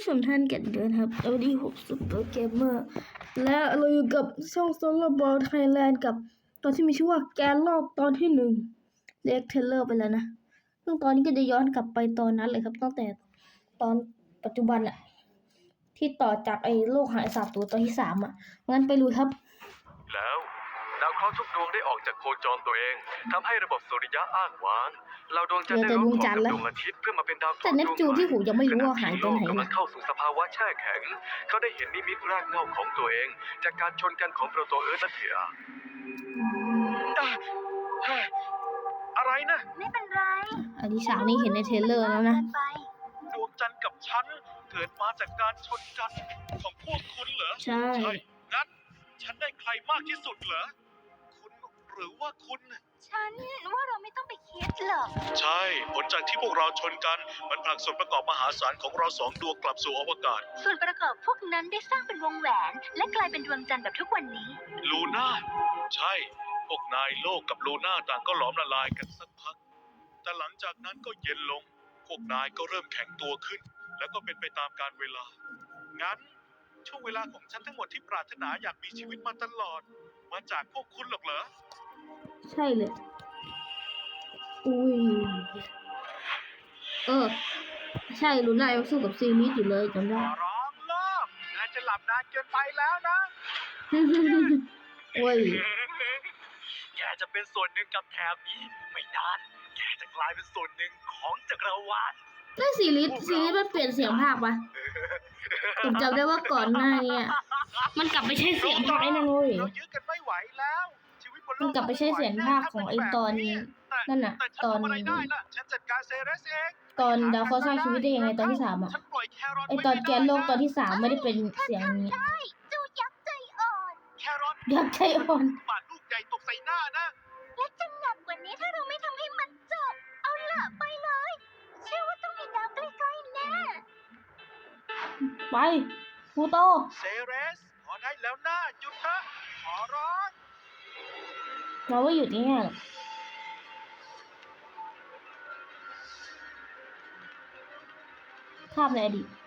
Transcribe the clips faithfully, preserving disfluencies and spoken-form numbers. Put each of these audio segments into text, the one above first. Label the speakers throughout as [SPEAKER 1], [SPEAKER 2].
[SPEAKER 1] ชมท่านกันด้วยครับสวัสดีผมซุปเปอร์เกมเมอร์และเราอยู่กับช่องโซลาร์บอลไทยแลนด์กับตอนที่มีชื่อว่าแกนโลกตอนที่หนึ่งเรียกเทเลอร์ไปแล้วนะซึ่งตอนนี้ก็จะย้อนกลับไปตอนนั้นเลยครับตั้งแต่ตอนปัจจุบันอะที่ต่อจากไอ้โลกหายสาบตัวตอนที่สามอะงั้นไปลุยครับ
[SPEAKER 2] แล้วดาวเคราะห์ทุกดวงได้ออกจากโคจรตัวเองทำให้ระบบสุริยะอ้างว้างเราดวงจันทร์ได้ร่วมของกับดวงอาทิตย์เพื่อมาเป็นดาวเคราะห์
[SPEAKER 1] แต่เนปจูนที่หูยังไม่รู้ว่าหายไปไหน
[SPEAKER 2] กำลังเข้าสู่สภาวะแช่แข็งเขาได้เห็นนิมิตรากเหง้าของตัวเองจากการชนกันของโปรโตเอิร์ธและเทียอะไรนะ
[SPEAKER 3] ไม่เป็นไร
[SPEAKER 1] อันนี้ฉากนี้เห็นในเทรลเลอร์แล้วนะ
[SPEAKER 2] ดวงจันทร์กับฉันเกิดมาจากการชนกันของพวกคุณเหรอ
[SPEAKER 1] ใช่
[SPEAKER 2] งั้นฉันได้ใครมากที่สุดเหรอคุณหรือว่าคุณ
[SPEAKER 3] ฉันว่าเราไม่ต้องไปคิดหรอก
[SPEAKER 2] ใช่ผลจากที่พวกเราชนกันมันผลักส่วนประกอบมหาศาลของเราสองดวงกลับสู่อวกาศ
[SPEAKER 3] ส่วนประกอบพวกนั้นได้สร้างเป็นวงแหวนและกลายเป็นดวงจันทร์แบบทุกวันนี้
[SPEAKER 2] ลูน่าใช่พวกนายโลกกับลูน่าต่างก็หลอมละลายกันสักพักแต่หลังจากนั้นก็เย็นลงพวกนายก็เริ่มแข็งตัวขึ้นแล้วก็เป็นไปตามกาลเวลางั้นช่วงเวลาของฉันทั้งหมดที่ปรารถนาอยากมีชีวิตมาตลอดมาจากพวกคุณหรอกเหรอ
[SPEAKER 1] ใช่เลยอุ้ยเออใช่ลูน่ายังสู้กับซีมิสอยู่เลยจำได้
[SPEAKER 2] ร้องเลิกนายจะหลับนานเกินไปแล้วนะ
[SPEAKER 1] โอ้ย
[SPEAKER 2] แกจะเป็นส่วนหนึ่งกับแถบนี้ไม่นานแกจะกลายเป็นส่วนหนึ่งของจักรวาล
[SPEAKER 1] แล้วซีรีส์ซีรีส์มันเปลี่ยนเสียงภาคปะผมจำได้ว่าก่อนหน้านี้มันกลับไปใช้เสียงภาคไอ้นั่นเลยมันกลับไปใช้เสียงภาคของไอ้ตอนนั่นน่ะตอนตอนดาวเคราะห์สร้างชีวิตได้ยังไงตอนที่สามอ่ะไอ้ตอนแกนโลกตอนที่สามไม่ได้เป็นเสียงนี้
[SPEAKER 3] จูยักษ์ใจอ่อน
[SPEAKER 1] ยักษ์ใจอ่อน
[SPEAKER 2] บาดลูกใหญ่ตกใส่หน้านะ
[SPEAKER 3] และจะหนักกว่านี้ถ้าเราไม่ทำให้มันจบเอาล่ะไปเลยเชื่อว่าต้องมีดาวใกล้ๆแน่
[SPEAKER 1] ไปพูโต
[SPEAKER 2] เซเรสขอได้แล้วนะหยุดเถอะขอร้อง
[SPEAKER 1] เราว่าหยุดนี่ภาพในอดีต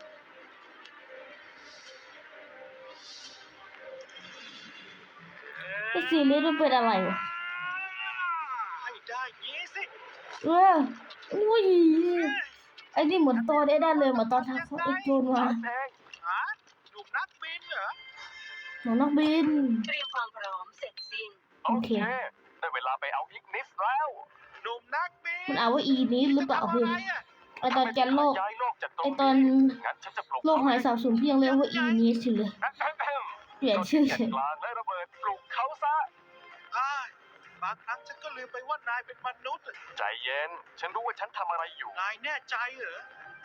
[SPEAKER 1] ไอ้ซีรีส์มันเป็นอะไรวะ
[SPEAKER 2] ให้ได้ยี่สิ
[SPEAKER 1] เอออุ้ยไอ้นี่เหมือนตอนได้ได้เลยเหมือนตอนทางเขาไอ้โจนมา
[SPEAKER 2] หนุ่มนักบินเหรอ
[SPEAKER 1] หนุ่มนักบิน
[SPEAKER 3] เตรียมความพร้อมเสร็จสิ้น
[SPEAKER 1] โอเค
[SPEAKER 2] ได้เวลาไปเอาอีกนิสแล้วหนุ่มนักบิน
[SPEAKER 1] มันเอาว่าอีนี้หรือเปล่าเฮ้ยไอตอนแกนโลกไอตอนโลกหายสาบสูญพี่ยังเรียกว่าอีนี้สิเลยเปลี่ยนชื่อเฉย
[SPEAKER 2] และระเบิดปลุกเขาซะบางครั้งฉันก็ลืมไปว่านายเป็นมนุษย์ใจเย็นฉันรู้ว่าฉันทำอะไรอยู่นายแน่ใจเหรอ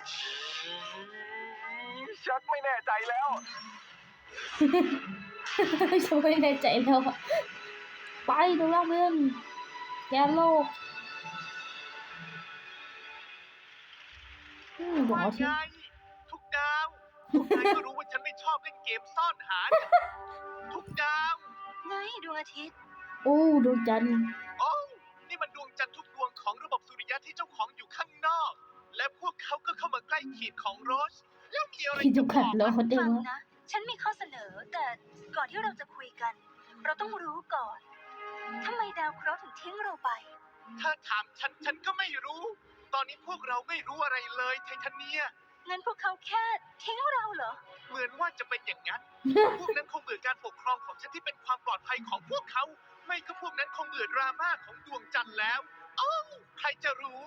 [SPEAKER 2] ชักไม่แน่ใจแล้ว
[SPEAKER 1] ชักไม่แน่ใจแล้วไปดูล่างเพื่อนแกนโลก
[SPEAKER 2] บอกที่ทุกดาวทุกนายก็รู้ว่าฉันไม่ชอบเล่นเกมซ่อนหาทุกดาว
[SPEAKER 3] ไงดวงอาทิตย์
[SPEAKER 1] โอ้ดวงจันทร์
[SPEAKER 2] โอ้นี่มันดวงจันทร์ทุกดวงของระบบสุริยะที่เจ้าของอยู่ข้างนอกและพวกเขาก็เข้ามาใกล้ขีดของโรสแล้วมีอะไร
[SPEAKER 1] จะบอกแล้วเขา
[SPEAKER 3] ฟังนะฉันมีข้อเสนอแต่ก่อนที่เราจะคุยกันเราต้องรู้ก่อนทำไมดาวเคราะห์ถึงทิ้งเราไป
[SPEAKER 2] ถ้าถามฉันฉันก็ไม่รู้ตอนนี้พวกเราไม่รู้อะไรเลยไททาเนีย
[SPEAKER 3] งั้นพวกเขาแค่ทิ้งเราเหรอ
[SPEAKER 2] เหมือนว่าจะเป็นอย่างนั้นพวกนั้นคงเบื่อการปกครองของฉันที่เป็นความปลอดภัยของพวกเขาไม่ก็พวกนั้นคงเบื่อดราม่าของดวงจันทร์แล้วโอ้ใครจะรู้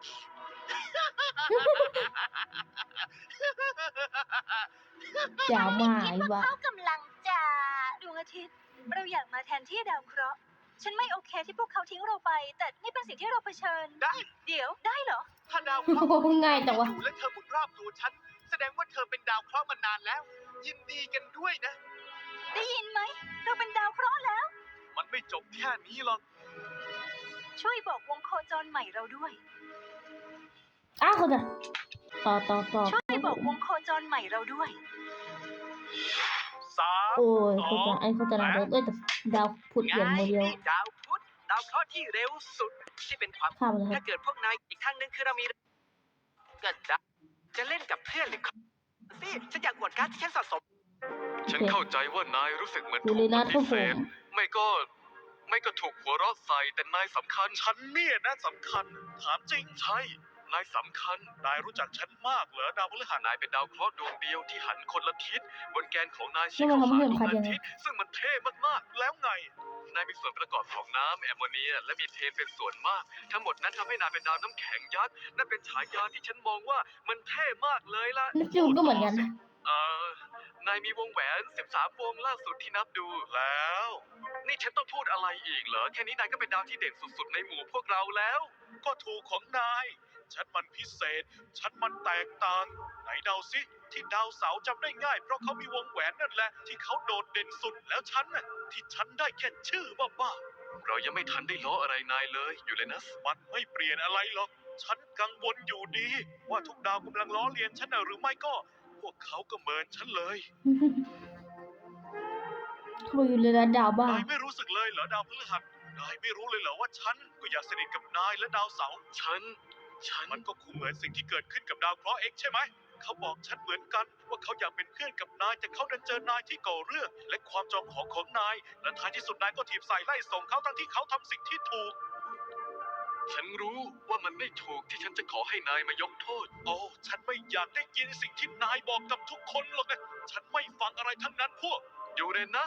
[SPEAKER 1] อย่ามา
[SPEAKER 3] คิดว่าเขากำลังจะดวงอาทิตย์เราอยากมาแทนที่ดาวเคราะห์ฉันไม่โอเคที่พวกเขาทิ้งเราไปแต่นี่เป็นสิ่งที่เราเผชิญ
[SPEAKER 2] ได้
[SPEAKER 3] เดี๋ยวได้เหรอ
[SPEAKER 2] ถ้าดาวเคราะห์
[SPEAKER 1] ง่ายแต่ว่า
[SPEAKER 2] และเธอหมุนรอบตัวฉันแสดงว่าเธอเป็นดาวเคราะห์มานานแล้วยินดีกันด้วยนะ
[SPEAKER 3] ได้ยินไหมเราเป็นดาวเคราะห์แล้ว
[SPEAKER 2] มันไม่จบแค่นี้หรอก
[SPEAKER 3] ช่วยบอกวงโคจรใหม่เราด้วย
[SPEAKER 1] อ้าวคนจะต่อต่อต่อ
[SPEAKER 3] ช่วยบอกวงโคจรใหม่เราด้วย
[SPEAKER 2] สาม
[SPEAKER 1] โอ้ยโคจรไอ้โคจรอะไรเอ้ยแต่ดาวพุธอย่างโมเดล
[SPEAKER 2] ดาวพุธดาวเคราะห์ที่เร็วสุดที่เป็นความถ้าเกิดพวกนายอีกทางนึงคือเรามีเกิดจะเล่นกับเพื่อนหรือ
[SPEAKER 4] สิฉันอยากอวดการ์ดที่ฉันสะสม
[SPEAKER 2] ฉันเข้าใจว่านายรู้สึกเหมือน
[SPEAKER 1] อยู่
[SPEAKER 2] ถู
[SPEAKER 1] ใน
[SPEAKER 2] ก
[SPEAKER 1] นั
[SPEAKER 2] ป
[SPEAKER 1] ดค
[SPEAKER 2] ฏิ
[SPEAKER 1] รับ
[SPEAKER 2] เส
[SPEAKER 1] ผ
[SPEAKER 2] ธ
[SPEAKER 1] ม
[SPEAKER 2] ไม่ก็ ไม่ก็ถูกหัวเราะใส่แต่นายสำคัญ ฉันเนี่ยนะสำคัญ ถามจริงใช่ นายสำคัญ นายรู้จักฉันมากเหรอดาวพฤหัสนายเป็นดาวเคราะห์ดวงเดียวที่หันคนละทิศบนแกนของนายชี้
[SPEAKER 1] แล้วมัน
[SPEAKER 2] เข้า
[SPEAKER 1] ทำให้
[SPEAKER 2] หาดวง
[SPEAKER 1] สำคัญ
[SPEAKER 2] อา
[SPEAKER 1] ยังไง
[SPEAKER 2] ทิตย์ซึ่งมันเท่มากๆ แล้วไง นายมีส่วนประกอบของน้ำแอมโมเนีย และมีเทนเป็นส่วนมาก ทั้งหมดนั้นทำให้นายเป็นดาวน้ำแข็งยักษ์นั่นเป็นฉายาที่ฉันมองว่ามันเท่มากเลยล่ะ
[SPEAKER 1] เนปจูนก็เหมือนกันนะ
[SPEAKER 2] เอ่อนายมีวงแหวนสิบสามวงล่าสุดที่นับดูแล้ว นี่ฉันต้องพูดอะไรอีกเหรอ แค่นี้นายก็เป็นดาวที่เด่นสุดๆในหมู่พวกเราแล้ว ก็ถูกของนาย ฉันมันพิเศษ ฉันมันแตกต่าง ไหนเดาสิ ที่ดาวเสาร์จำได้ง่าย เพราะเขามีวงแหวนนั่นแหละ ที่เขาโดดเด่นสุด แล้วฉันน่ะที่ฉันได้แค่ชื่อบ้าๆเรายังไม่ทันได้ล้ออะไรนายเลยอยู่เลยนะ มันไม่เปลี่ยนอะไรหรอก ฉันกังวลอยู่ดี ว่าทุกดาวกำลังล้อเลียนฉันน่ะหรือไม่ก็ พวกเขาก็เหมินฉันเลย
[SPEAKER 1] เขาบอกอยู่ในนัดดาวบ้าน
[SPEAKER 2] ายไม่รู้สึกเลยเหรอดาวพฤหัส นายไม่รู้เลยเหรอว่าฉันก็อยากสนิทกับนายและดาวเสาร์ ฉัน ฉัน มันก็คงเหมือนสิ่งที่เกิดขึ้นกับดาวเคราะห์ X ใช่ไหม เขาบอกฉันเหมือนกันว่าเขาอยากเป็นเพื่อนกับนาย แต่เขาดันเจอนายที่ก่อเรื่อง และความจองหองของนาย และท้ายที่สุดนายก็ถีบใส่ไล่ส่งเขาทั้งที่เขาทำสิ่งที่ถูก ฉันรู้ว่ามันไม่ถูกที่ฉันจะขอให้นายมายกโทษ โอ้ ฉันไม่อยากได้ยินสิ่งที่นายบอกกับทุกคนหรอกนะ ฉันไม่ฟังอะไรทั้งนั้นพวกยูเรนัส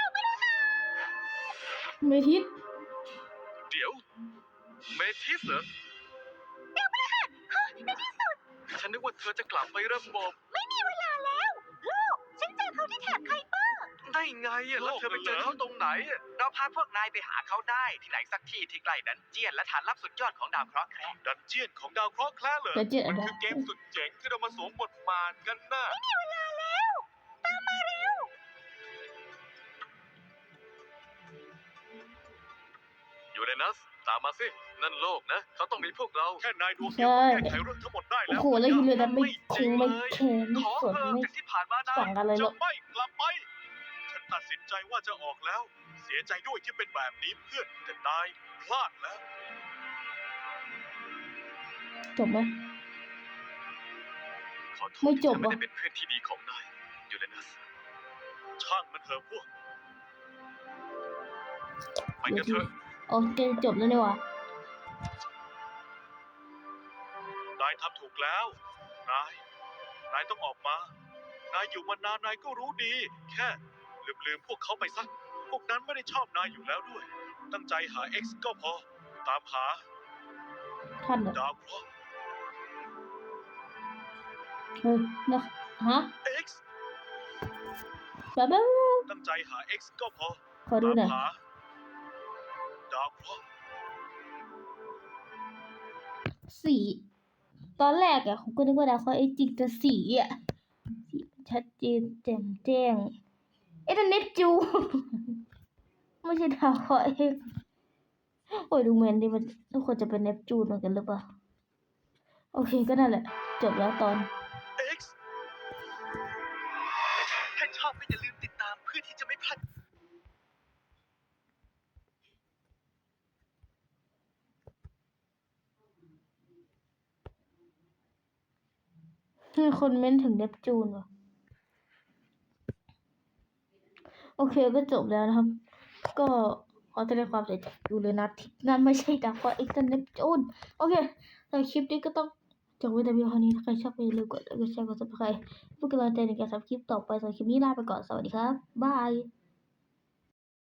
[SPEAKER 1] เมทิส
[SPEAKER 2] เดี๋ยว เมทิสเหรอฉันนึกว่าเธอจะกลับไประบบ
[SPEAKER 3] ไม่มีเวลาแล้ว ลูก ฉันเจอเขาที่แถบไคเปอร์
[SPEAKER 2] ได้ไงอะแล้วเธอไปเจอเขาตรงไหนอะ
[SPEAKER 4] เราพาพวกนายไปหาเขาได้ที่ไหนสักที่ที่ใกล้ดันเจียนและฐานลับสุดยอดของดาวเคราะห์แคระ
[SPEAKER 2] ดันเจียนของดาวเคราะห์แคระเหรอ
[SPEAKER 1] เดี๋ยวเจ็ดอั
[SPEAKER 2] มัน น
[SPEAKER 1] นะ
[SPEAKER 2] คือเกมสุดเจ๋งที่เรามาสวมบทบาทกันน่ะ
[SPEAKER 3] ไม่มีเวลาแล้ว ตามมาเร็ว
[SPEAKER 2] ยูเรนัส ตามมาสิ นั่นโลกนะ เขาต้องมีพวกเรา แค่นายดวงเดี
[SPEAKER 1] ใช่
[SPEAKER 2] ยวก็แก้ไขเรื่องทั้งหมดได้
[SPEAKER 1] โอ้
[SPEAKER 2] แล้ว
[SPEAKER 1] โหแล้วอยู่ในนั้นไม่ค
[SPEAKER 2] จริ
[SPEAKER 1] ง
[SPEAKER 2] ง
[SPEAKER 1] ไม่
[SPEAKER 2] เลย
[SPEAKER 1] แคร์ไม่
[SPEAKER 2] ขอ
[SPEAKER 1] สน
[SPEAKER 2] เถอะ
[SPEAKER 1] ไม่
[SPEAKER 2] จากที่ผ่านมานาย
[SPEAKER 1] สั่งอะไรหร
[SPEAKER 2] จะ
[SPEAKER 1] อก
[SPEAKER 2] ไม่กลับไป ฉันตัดสินใจว่าจะออกแล้ว เสียใจด้วยที่เป็นแบบนี้เพื่อน แต่นายพลาดแล้ว
[SPEAKER 1] จบไหม
[SPEAKER 2] ขอโทษ
[SPEAKER 1] ไม่จ
[SPEAKER 2] ที่
[SPEAKER 1] บ
[SPEAKER 2] ฉันไม่
[SPEAKER 1] ว่ะ
[SPEAKER 2] ได้เป็นเพื่อนที่ดีของนายยูเรนัส ช่างมันเถอะพวก ไปกันเถอะ
[SPEAKER 1] โอเคจบแล้วนี่หว่ะ
[SPEAKER 2] นายทำถูกแล้ว นาย นายต้องออกมา นายอยู่มานานนายก็รู้ดี แค่ลืมๆพวกเขาไปซะ พวกนั้นไม่ได้ชอบนายอยู่แล้วด้วย ตั้งใจหา X ก็พอ ตามหา
[SPEAKER 1] ท่านเหรอ
[SPEAKER 2] ดาวเคราะห์
[SPEAKER 1] เฮ้ยนะฮะ
[SPEAKER 2] X
[SPEAKER 1] แบบแบบ
[SPEAKER 2] ตั้งใจหา X ก็พอ
[SPEAKER 1] ขอดูหน่อย
[SPEAKER 2] ตามหา ดาวเคราะห์
[SPEAKER 1] สีตอนแรกอะผมก็นึกว่าดาวเคราะห์ไอ้จริงแต่สีอะสีมันชัดเจนแจ่มแจ้งเอ๊ะนั่นเนปจูน ไม่ใช่ดาวเคราะห์เองโอ้ยดูเหมือนดิมันทุกคนจะเป็นเนปจูนเหมือนกันหรือเปล่าโอเคก็นั่นแหละ จบแล้วตอน
[SPEAKER 2] X ถ้าชอบก็อย่าลืมติดตามเพื่อที่จะไม่พลาด
[SPEAKER 1] มีคนเม้นถึงเนปจูนว่ะโอเคก็จบแล้วนะครับ ก็ขอแสดงความเสียใจอยู่เลยนะที่นั่นไม่ใช่ดาวเคราะห์เอ็กซ์เนปจูนโอเคในคลิปนี้ก็ต้องจบไว้แต่เพียงเท่านี้ถ้าใครชอบก็อย่าลืมกดไลค์กดแชร์กดซับสไครต์เพื่เป็นกำลังใจในการทำคลิปต่อไปสำหรับคลิปนี้ลาไปก่อนสวัสดีครับบาย